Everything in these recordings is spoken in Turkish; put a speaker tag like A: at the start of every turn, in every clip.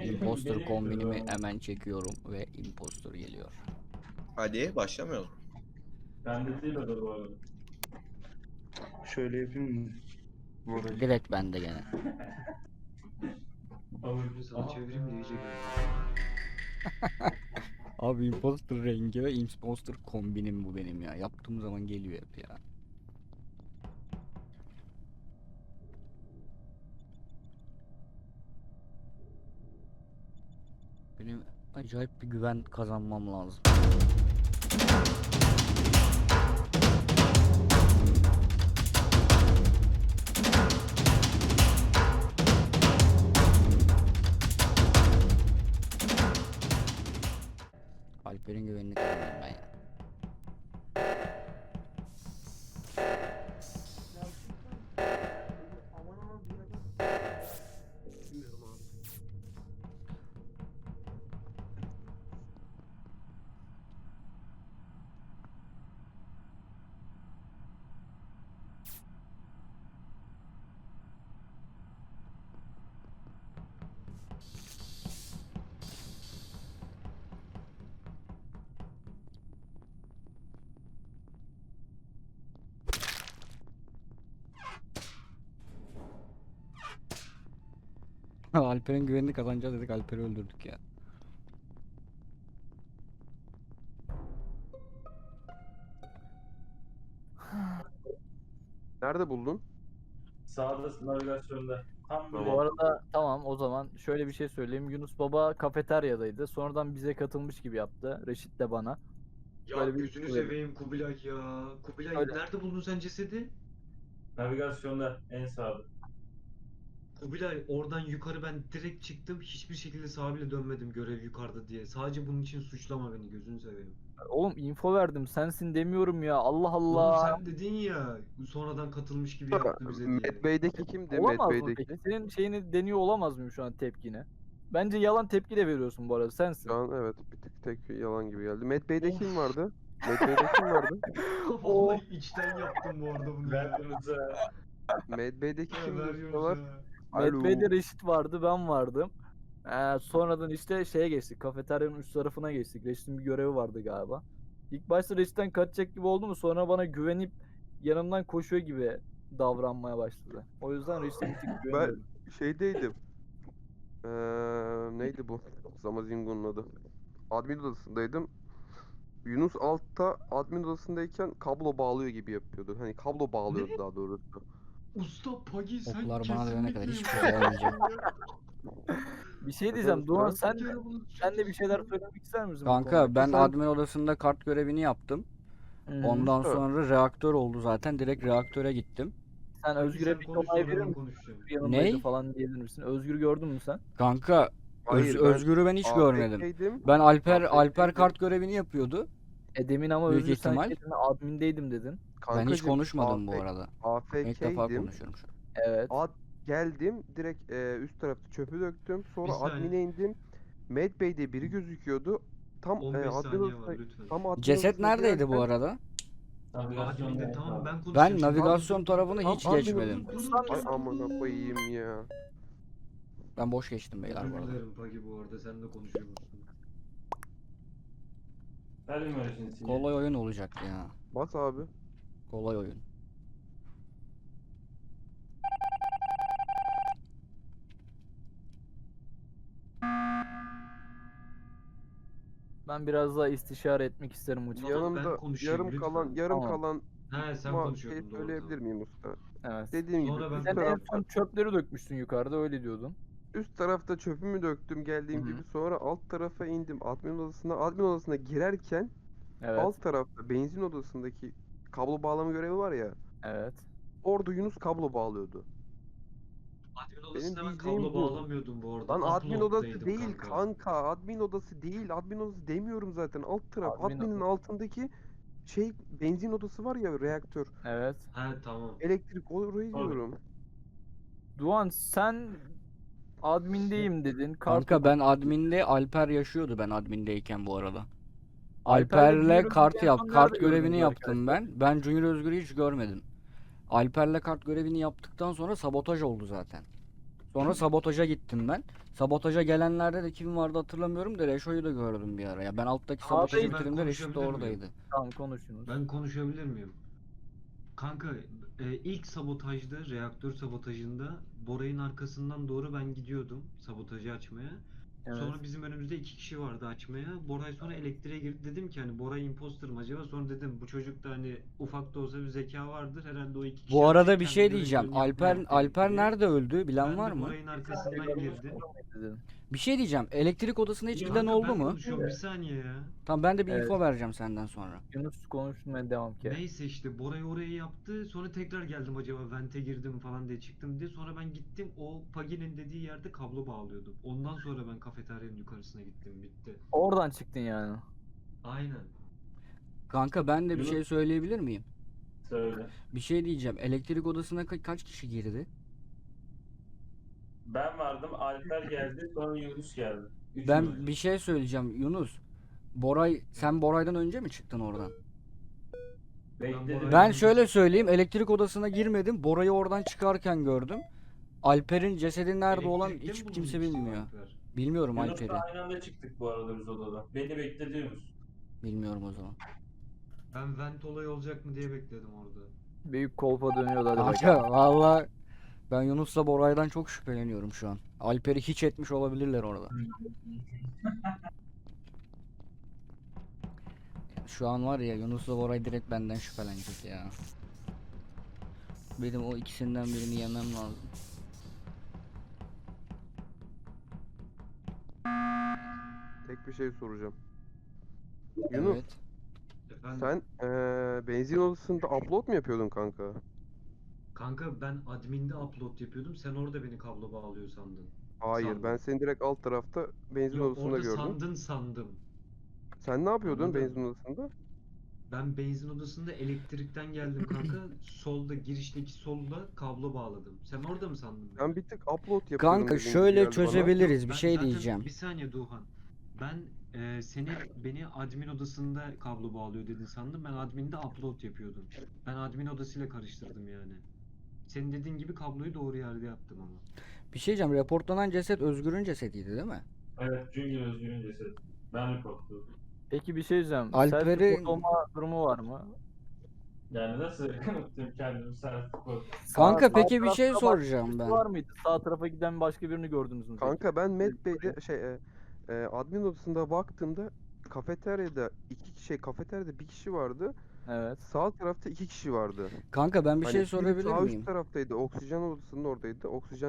A: Imposter kombinimi hemen çekiyorum ve imposter geliyor.
B: Hadi başlamıyoruz.
C: Bende değil o da bu arada.
D: Şöyle yapayım mı? Burayı.
A: Direkt bende gene.
C: Sana çevireyim de iyice
A: Abi imposter rengi ve imposter kombinim bu benim ya. Yaptığım zaman geliyor hep ya. Benim acayip bir güven kazanmam lazım. Alper'in güvenini kazanıyorum ben ya. Alper'in güvenini kazanacağız dedik, Alper'i öldürdük ya.
E: Nerede buldun?
C: Sağda navigasyonda. Tam böyle.
F: Bu arada tamam, o zaman şöyle bir şey söyleyeyim. Yunus Baba kafeteryadaydı. Sonradan bize katılmış gibi yaptı. Reşit de bana.
G: Ya
F: Böyle bir
G: gözünü
F: şey.
G: seveyim Kubilay ya. Kubilay
F: Öyle.
G: nerede buldun sen cesedi?
C: Navigasyonda en sağda.
G: Kubilay oradan yukarı ben direkt çıktım. Hiçbir şekilde sağa bile dönmedim görev yukarıda diye. Sadece bunun için suçlama beni gözünü seveyim.
F: Oğlum info verdim. Sensin demiyorum ya. Allah
G: Oğlum
F: Allah.
G: sen dedin ya sonradan katılmış gibi yaptı bize diye.
E: Mad Bey'deki kimdi?
F: Olamaz
E: Mad
F: mı
E: Bey'deki.
F: peki? Senin şeyini deniyor olamaz mıyım şu an tepkini? Bence yalan tepki de veriyorsun bu arada. Sensin.
E: Şu an evet bir tık tek yalan gibi geldi. Mad Bey'de kim vardı? Mad Bey'de kim vardı?
G: Vallahi içten yaptım bu arada bunu
C: Ben
G: ya.
C: Yunus'a.
E: Mad Bey'deki
G: Ya
E: kim
G: ver
E: ustalar?
G: Yunus'a.
E: Alo.
F: Medbay'de Reşit vardı, ben vardım. Sonradan işte şeye geçtik. Kafeteryanın üst tarafına geçtik. Reşit'in bir görevi vardı galiba. İlk başta Reşit'ten kaçacak gibi oldu mu, sonra bana güvenip yanımdan koşuyor gibi davranmaya başladı. O yüzden Reşit'e bir tık
E: Ben
F: güveniyorum.
E: şeydeydim. Neydi bu? Zamazingo'nun adı. Admin odasındaydım. Yunus altta admin odasındayken kablo bağlıyor gibi yapıyordu. Hani kablo bağlıyordu
G: Ne?
E: daha doğrusu.
G: Usta Pagi sen
A: Oklar bana dönene kadar
G: kesinlikle
A: hiçbir şey olmayacak.
F: Bir şey diyeceğim. Doğan
E: Sen-
F: sen de bir şeyler söylemek ister misin bu
A: Kanka
F: konuda?
A: ben
E: Sen-
A: admin odasında kart görevini yaptım.
F: Hı-hı.
A: Ondan
E: Evet.
A: sonra reaktör oldu zaten. Direkt reaktöre gittim.
F: Sen
G: Pagi
F: Özgür'e
G: sen
F: bir
G: konuş
F: onay
G: sonra
F: verir
G: ben
F: misin?
G: konuşacağım.
F: Yanımdaydı
A: Ney?
F: falan diyebilir misin? Özgür gördün mü sen?
A: Kanka
E: Hayır, ben
A: Özgür'ü ben hiç görmedim.
E: AFK'ydim.
A: Ben Alper
E: AFK'ydim.
A: kart görevini yapıyordu.
F: Demin ama
A: Büyük
F: Özgür sen
A: ihtimal.
F: şey dedin, admindeydim dedin.
A: Ben hiç
E: Kankacım,
A: konuşmadım bu arada. İlk defa
E: AFK'ydim.
A: konuşuyorum şu an.
F: Evet.
E: Geldim direkt üst tarafta çöpü döktüm. Sonra
G: Bir saniye.
E: admin'e indim. Mad Bey'de biri gözüküyordu. Tam
G: 15
E: admin
G: saniye var
E: odasına,
G: lütfen.
E: tam admin
A: Ceset
E: odasına
A: neredeydi bu
E: girerken-
A: arada?
C: Navigasyonda
G: Admin'de
C: en
G: tamam
C: sağda.
G: ben konuşacağım.
A: Ben
G: şimdi.
A: navigasyon tarafını
E: Tam
A: hiç
E: admin
A: geçmedim.
E: Ay amına koyayım ya.
A: Ben boş geçtim beyler bu
G: Özür
A: arada.
G: dilerim Pagi bu arada sen de konuşuyormuşsun.
C: Verdim öyle şimdi sinyal.
A: Kolay oyun olacak ya.
E: Bas abi.
A: Kolay oyun.
F: Ben biraz daha istişare etmek isterim hocam.
G: Tamam, ben
E: Yanımda
G: konuşayım,
E: yarım
G: lütfen.
E: kalan
F: Tamam.
G: He sen
E: ama
G: konuşuyordun
E: şey
G: doğru.
E: söyleyebilir miyim usta?
F: Evet.
E: Dediğim
G: Sonra
E: gibi
G: ben-
E: üst,
F: Sen en
E: tarafta,
F: son çöpleri dökmüştün yukarıda, öyle diyordun.
E: üst tarafta çöpümü döktüm geldiğim
F: Hı hı.
E: gibi, sonra alt tarafa indim admin odasına. Admin odasına girerken
F: Evet.
E: alt tarafta benzin odasındaki kablo bağlama görevi var ya.
F: Evet.
E: Orada Yunus kablo bağlıyordu.
G: Admin odasında ben
E: diyeceğim
G: kablo
E: bu.
G: bağlamıyordum bu arada.
E: Lan admin odası
G: Upload'daydım
E: değil kanka. Admin odası değil. Admin odası demiyorum zaten. Alt taraf.
F: Admin
E: Adminin
F: odası.
E: altındaki şey benzin odası var ya, reaktör.
F: Evet.
G: He tamam.
E: Elektrik, orayı
C: Tabii.
E: diyorum.
F: Doğan sen admindeyim dedin.
A: Kanka ben adminde Alper yaşıyordu ben admindeyken bu arada.
F: Alper'le
A: Alper'le
F: Junior
A: kart
F: Özgür'ü en son
A: kart
F: nerede
A: görevini
F: gördünüz
A: yaptım
F: arkadaşlar?
A: ben. Ben Junior Özgür'ü hiç görmedim. Alper'le kart görevini yaptıktan sonra sabotaj oldu zaten. Sonra sabotaja gittim ben. Sabotaja gelenlerde de kim vardı hatırlamıyorum da Reşo'yu da gördüm bir ara. Ya ben alttaki
F: Abi,
A: sabotajı
G: ben
A: bitirdiğimde Reşit de
G: konuşabilir miyim?
A: oradaydı.
F: Tamam konuşunuz.
G: Ben konuşabilir miyim? Kanka ilk sabotajda, reaktör sabotajında Boray'ın arkasından doğru ben gidiyordum sabotajı açmaya.
F: Evet.
G: Sonra bizim önümüzde 2 kişi vardı açmaya. Boray sonra elektriğe girdi. Dedim ki hani Boray imposter mı acaba? Sonra dedim bu çocukta hani ufak da olsa bir zeka vardır. Herhalde o 2 kişi
A: Bu arada
G: açacak,
A: bir
G: kendi
A: şey
G: görevlerini
A: diyeceğim.
G: yapmaya
A: Alper
G: diye.
A: nerede öldü? Bilen
G: Ben
A: var
G: de
A: mı?
G: Boray'ın arkasından girdim.
F: Dedim.
A: Bir şey diyeceğim. Elektrik odasına hiç giden
G: Kanka
A: oldu
G: ben
A: mu?
G: konuşuyorum bir saniye ya.
A: Tamam ben de bir
F: Evet.
A: info vereceğim senden sonra.
F: Yunus konuşmaya devam ki.
G: Neyse işte Boray orayı yaptı. Sonra tekrar geldim acaba vente girdim falan diye çıktım diye. Sonra ben gittim o Pagi'nin dediği yerde kablo bağlıyordum. Ondan sonra ben kafeteryanın yukarısına gittim. Bitti.
F: Oradan çıktın yani.
G: Aynen.
A: Kanka ben de bir
C: Yunus-
A: şey söyleyebilir miyim?
C: Söyle.
A: Bir şey diyeceğim. Elektrik odasına kaç kişi girdi?
C: Ben vardım, Alper geldi, sonra Yunus geldi. Üçümüz.
A: Ben bir şey söyleyeceğim Yunus. Sen Boray'dan önce mi çıktın oradan?
C: Bekledim.
A: Ben şöyle söyleyeyim. Elektrik odasına girmedim. Boray'ı oradan çıkarken gördüm. Alper'in cesedi nerede olan
G: Elektrikte mi
A: hiç
G: bulundu
A: kimse
G: ikisi
A: bilmiyor.
G: Alper?
A: Bilmiyorum Alper'i.
C: Yunus'la aynı anda çıktık bu arada biz odadan. Beni bekledi Yunus.
A: Bilmiyorum o zaman.
G: Ben vent olayı olacak mı diye bekledim orada.
F: Büyük kolpa dönüyordu hadi bakalım.
A: Kanka valla ben Yunus'la Boray'dan çok şüpheleniyorum şu an. Alper'i hiç etmiş olabilirler orada. Şu an var ya Yunus'la Boray direkt benden şüphelenecek ya. Benim o ikisinden birini yemem lazım.
E: Tek bir şey soracağım. Yunus,
A: Evet.
G: Efendim?
E: sen benzin odasında upload mu yapıyordun kanka?
G: Kanka ben adminde upload yapıyordum. Sen orada beni kablo bağlıyor sandın.
E: Hayır,
G: Sandım.
E: ben seni direkt alt tarafta benzin
G: Yok
E: odasında
G: orada
E: gördüm.
G: sandın sandım.
E: Sen ne yapıyordun
G: Anladım.
E: benzin odasında?
G: Ben benzin odasında elektrikten geldim kanka. Solda girişteki solda kablo bağladım. Sen orada mı sandın beni?
E: Ben bir tık upload yapıyorum
A: Kanka
E: dediğin gibi
A: şöyle
E: geldi bana.
A: çözebiliriz bir
G: Ben
A: şey
G: zaten-
A: diyeceğim.
G: Bir saniye Doğan. Ben beni admin odasında kablo bağlıyor dedin sandım. Ben adminde upload yapıyordum. Ben admin odasıyla karıştırdım yani. Senin dediğin gibi kabloyu doğru yerde yaptım ama.
A: Bir şey diyeceğim. Reportlanan ceset Özgür'ün cesediydi değil mi?
C: Evet, Junior Özgür'ün cesedi. Ben reportladım.
F: Peki bir şey diyeceğim.
A: Alper'i-
F: Self-report olma durumu var mı?
C: Yani nasıl kanıtlayayım kendimi self
A: Kanka
F: Sağ
A: peki bir şey
F: tarafta başka
A: soracağım
F: birisi
A: ben.
F: Var mıydı? Sağ tarafa giden başka birini gördünüz mü? peki?
E: Kanka ben Medbay'de admin odasında baktığımda kafeteryada bir kişi vardı.
F: Evet.
E: Sağ tarafta 2 kişi vardı.
A: Kanka ben bir
E: Hani
A: şey
E: biri
A: sorabilir
E: sağ
A: miyim?
E: üst taraftaydı. Oksijen odasının oradaydı. Oksijen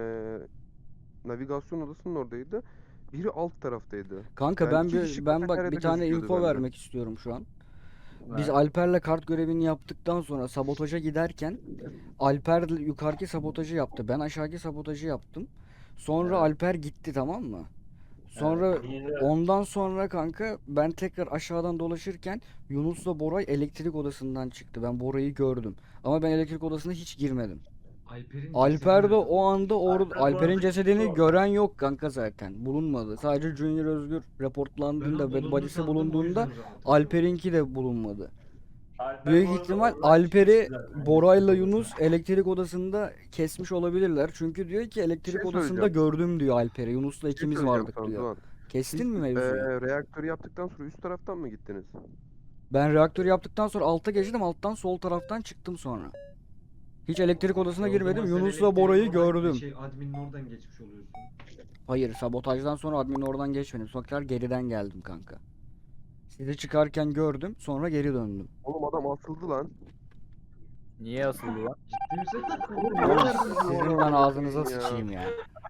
E: navigasyon odasının oradaydı. Biri alt taraftaydı.
A: Kanka
E: Yani
A: ben
E: iki kişi
A: ben bak bir
E: kafeteryada
A: tane
E: gözüküyordu
A: info
E: bende.
A: vermek istiyorum şu an. Biz
F: Evet.
A: Alper'le kart görevini yaptıktan sonra sabotaja giderken Alper yukarıki sabotajı yaptı. Ben aşağıki sabotajı yaptım. Sonra
F: Evet.
A: Alper gitti tamam mı? Sonra
C: Evet, yine de-
A: ondan sonra kanka ben tekrar aşağıdan dolaşırken Yunus'la Boray elektrik odasından çıktı. Ben Boray'ı gördüm. Ama ben elektrik odasına hiç girmedim.
G: Alper'in
A: Alper
G: cesedi
A: de
G: nerede
A: o
G: bulundu?
A: anda orada
C: Alper bu
A: Alper'in
C: arada
A: cesedini
C: gitti
A: gören yok kanka zaten. Bulunmadı. Sadece Junior Özgür
G: Ben
A: reportlandığında
G: o
A: ve
G: bulundu
A: body'si
G: sandım, o
A: bulunduğunda
G: yüzden rahatım.
A: Alper'inki de bulunmadı.
C: Alper
A: Büyük
C: bu arada
A: ihtimal
C: oradan
A: Alper'i
C: çıkmıştı zaten.
A: Bora'yla Yunus elektrik odasında kesmiş olabilirler. Çünkü diyor ki elektrik
E: şey
A: odasında
E: söyleyeceğim.
A: gördüm diyor Alper'i. Yunus'la
E: Bir şey
A: ikimiz
E: söyleyeceğim
A: vardık
E: sana
A: diyor.
E: Doğan.
A: Kestin
E: Siz
A: mi mevzuyu?
E: reaktörü yaptıktan sonra üst taraftan mı gittiniz?
A: Ben reaktör yaptıktan sonra alta geçtim. Alttan sol taraftan çıktım sonra. Hiç elektrik odasına
G: O zaman
A: girmedim.
G: sen
A: Yunus'la
G: elektriğin
A: Bora'yı
G: oradan-
A: gördüm.
G: Adminin oradan geçmiş oluyorsun.
A: Hayır, sabotajdan sonra admin oradan geçmedim. Sonra geriden geldim kanka. Sizi çıkarken gördüm. Sonra geri döndüm.
E: Oğlum adam asıldı lan.
F: Niye asıldı ya?
G: Ciddi misin?
A: Sizin ben ağzınıza sıçayım ya.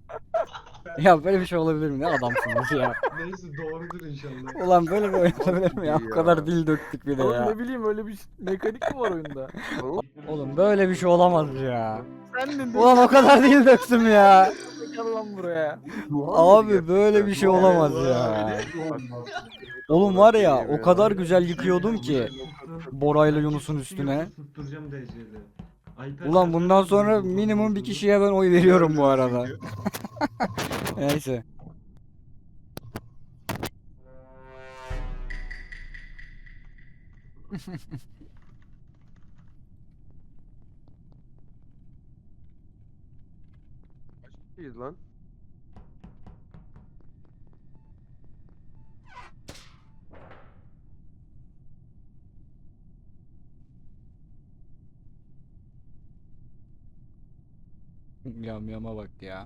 A: Ya böyle bir şey olabilir mi? Ne adamsınız ya.
G: Neyse doğrudur inşallah.
A: Ulan böyle bir oyun olabilir mi ya?
E: Ya.
A: Bu kadar dil döktük bir de
F: Oğlum
A: ya.
F: ne bileyim öyle bir mekanik mi var oyunda?
A: Oğlum böyle bir şey olamaz ya.
F: Sen de
A: Ulan o kadar dil döktüm ya.
F: gel lan buraya.
A: Abi böyle bir şey olamaz ya. Oğlum var ya o kadar güzel yıkıyordum ki Bora'yla Yunus'un üstüne.
G: Tutturacağım DC'yle. Alper
A: Ulan
G: sen
A: bundan
G: nereden
A: sonra
G: buldun
A: minimum bir
G: olduğunu?
A: kişiye ben oy veriyorum bu arada. Neyse.
E: kişiyiz lan.
A: Yama bak ya.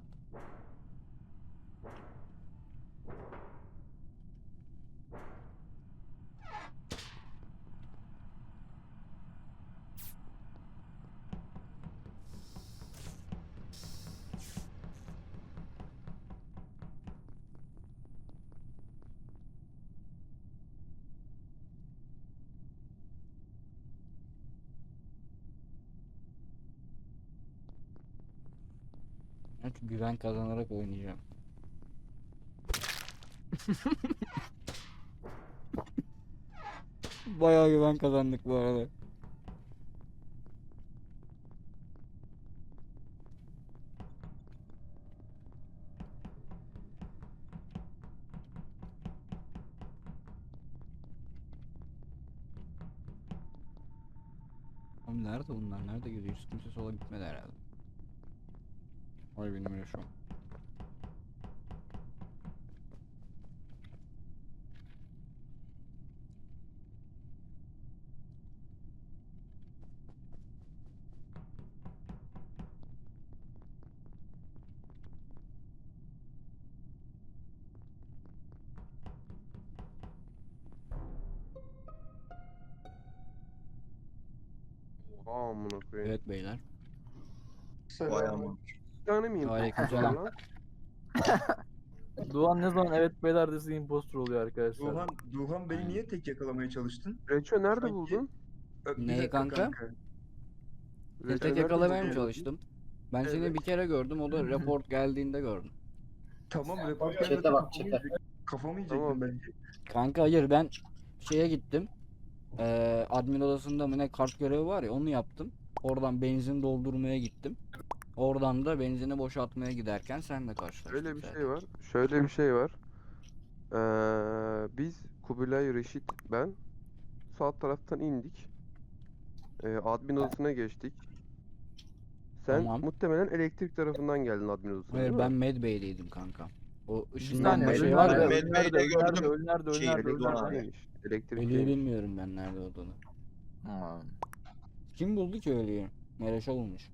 A: Evet, güven kazanarak oynayacağım. Bayağı güven kazandık bu arada. Oğlum nerede bunlar? Nerede gidiyor? Hiç kimse sola gitmedi herhalde. Ay benim yaşam.
E: Oha amına koyayım.
A: Evet beyler.
B: Vay aman.
E: Bir tane miyim?
A: Aleykümselam.
E: Lan?
F: Doğan ne zaman evet beyler dese impostor oluyor arkadaşlar.
D: Duhan beni niye tek yakalamaya çalıştın?
E: Reço nerede
D: Sanki-
E: buldun?
D: Bir
A: Neyi
D: dakika
A: kanka? Seni
E: Reço
A: tek
E: nerede
A: yakalamaya mı
E: buldun?
A: çalıştım? Ben seni
D: Evet.
A: bir kere gördüm, o da report geldiğinde gördüm.
D: Tamam report
H: Çete
D: gelmeden
H: bak, çete.
D: kafamı yiyecektim
E: Tamam.
D: belki.
A: Kanka hayır, ben şeye gittim. Admin odasında mı ne kart görevi var ya, onu yaptım. Oradan benzin doldurmaya gittim. Oradan da benzini boşaltmaya giderken senle karşılaştık.
E: Şöyle bir
A: zaten.
E: şey var. Şöyle bir şey var. Biz Kubilay, Reşit, ben sağ taraftan indik. Admin odasına geçtik. Sen
A: Tamam.
E: muhtemelen elektrik tarafından geldin admin odasına,
A: Hayır,
E: değil
A: ben
E: mi?
A: Medbay'deydim kanka. O
F: Bir
A: ışınlanma
F: saniye,
A: şey
B: Medbay'de
A: var ya.
B: Med- Medbay'de gördüm.
F: Ölü
B: Şey,
F: nerede?
B: Elektrik-
E: Elektrikteymiş.
A: Ölüyü
E: Elektrikteymiş.
A: bilmiyorum ben nerede olduğunu. Kim buldu ki ölüyü? Mereşe olmuş.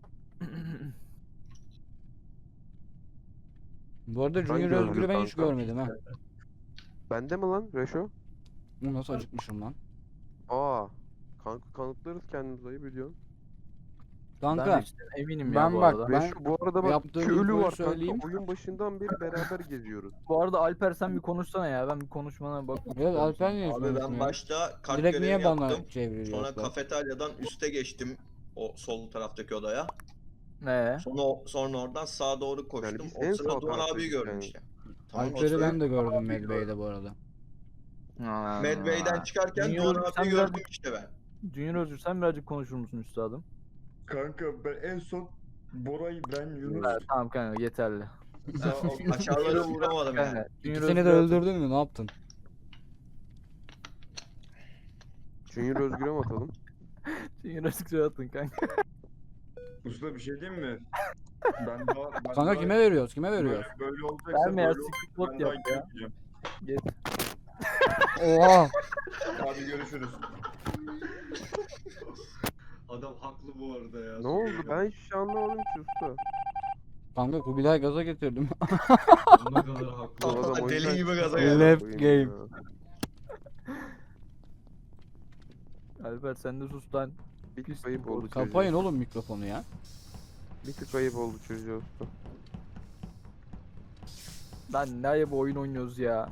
A: Bu arada Junior
E: gördüm
A: Özgür'ü ben hiç
E: kanka.
A: görmedim ha.
E: Bende mi lan Reşo?
A: Bu nasıl acıkmışım lan.
E: Aa. Kanka kanıtlarız kendimizi, ayıp ediyorsun.
A: Kanka
F: Ben işte eminim
A: ben
F: ya bu
A: bak,
F: arada.
A: ben
E: Reşo bu arada bak
A: yaptığım
E: iki ölü
A: infoyu
E: var
A: söyleyeyim.
E: kanka. Oyun başından beri beraber geziyoruz.
F: Bu arada Alper sen bir konuşsana ya. Ben bir konuşmana bak.
A: Evet, Alper niye
B: Abi
A: konuşmuyor?
B: ben başta kart
A: Direkt
B: görevini
A: niye bana
B: yaptım.
A: çeviriyor?
B: Sonra kafeteryadan üste geçtim. O sol taraftaki odaya. Sonra oradan sağa doğru koştum.
E: biz en
B: O sırada
E: sağ
B: Doğan abiyi
E: taraftaydık
B: gördüm
E: yani.
B: işte. Tamam, o
A: Alper'i
B: sırada
A: ben de gördüm Medbay'de bu arada.
B: Medbay'den çıkarken
F: Junior,
B: Doğan
F: sen
B: abiyi
F: biraz-
B: gördüm işte ben.
F: Junior Özgür sen birazcık konuşur musun üstadım?
D: Kanka ben en son Bora'yı ben Yunus
F: Evet, tamam kanka yeterli.
D: sağ alt-
B: Aşağılara uğramadım yani.
F: Kanka, Junior
A: İkisini de
F: Özgür-
A: öldürdün mü? Ne yaptın?
E: Junior Özgür'e mi atalım?
F: Junior Özgür'e atın kanka.
D: Usta bir şey diyeyim mi? Ben
A: Kanka
D: daha-
A: kime veriyoruz? Kime veriyoruz?
D: Böyle olacaksa
F: Verme ya,
D: böyle olacak,
F: secret bot
D: ben daha
F: yap ya.
D: girmeyeceğim.
F: Geç.
A: Oha!
D: Hadi görüşürüz.
B: Adam haklı bu arada ya.
E: Ne oldu? Ben hiçbir şey anlamadım ki usta.
A: Kanka Kubilay gaza getirdim.
B: Ne kadar haklı.
E: Bu adam oyundan
B: Deli gibi
E: çıktı
B: gaza
E: amına
B: geldi.
A: Left
E: koyayım
A: game.
E: ya.
F: Alper sen de sus lan.
E: Bir
F: Pis
E: tık ayıp
F: bir
E: oldu
F: bot.
E: çocuğa.
A: Kapayın oğlum mikrofonu ya.
E: Bir tık ayıp oldu çocuğa usta.
F: Lan ne ayıp oyun oynuyoruz ya.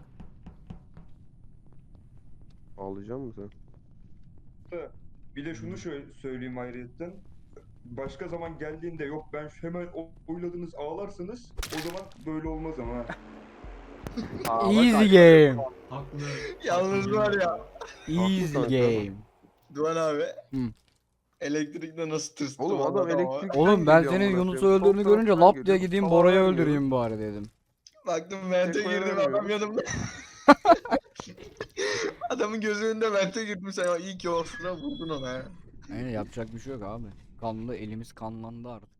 E: Ağlayacak mısın sen?
D: Bir de şunu şöyle söyleyeyim ayrıyetten. Başka zaman geldiğinde yok ben hemen oyladınız ağlarsınız o zaman böyle olmaz ama.
F: Aa, bak
A: Easy
F: Alper-
A: game.
C: Haklı.
B: Yalnız
C: haklı
B: var
C: bir
B: ya.
C: adam.
A: Easy
E: kanka.
A: game.
B: Doğan abi.
A: Hı.
B: Elektrikte nasıl tırstım
E: Oğlum adam
B: vallahi ama.
E: elektrik.
A: Oğlum ben senin Yunus'u öldürdüğünü görünce lap diye gideyim Bora'yı öldüreyim bari dedim.
B: Baktım vente
E: Tek
B: girdim
E: oynamıyorum.
B: adam yanımda. Adamın gözü önünde vente girdim sen ya iyi ki o sıra vurdun ona ya.
A: Yani yapacak bir şey yok abi. Kanlı elimiz kanlandı artık.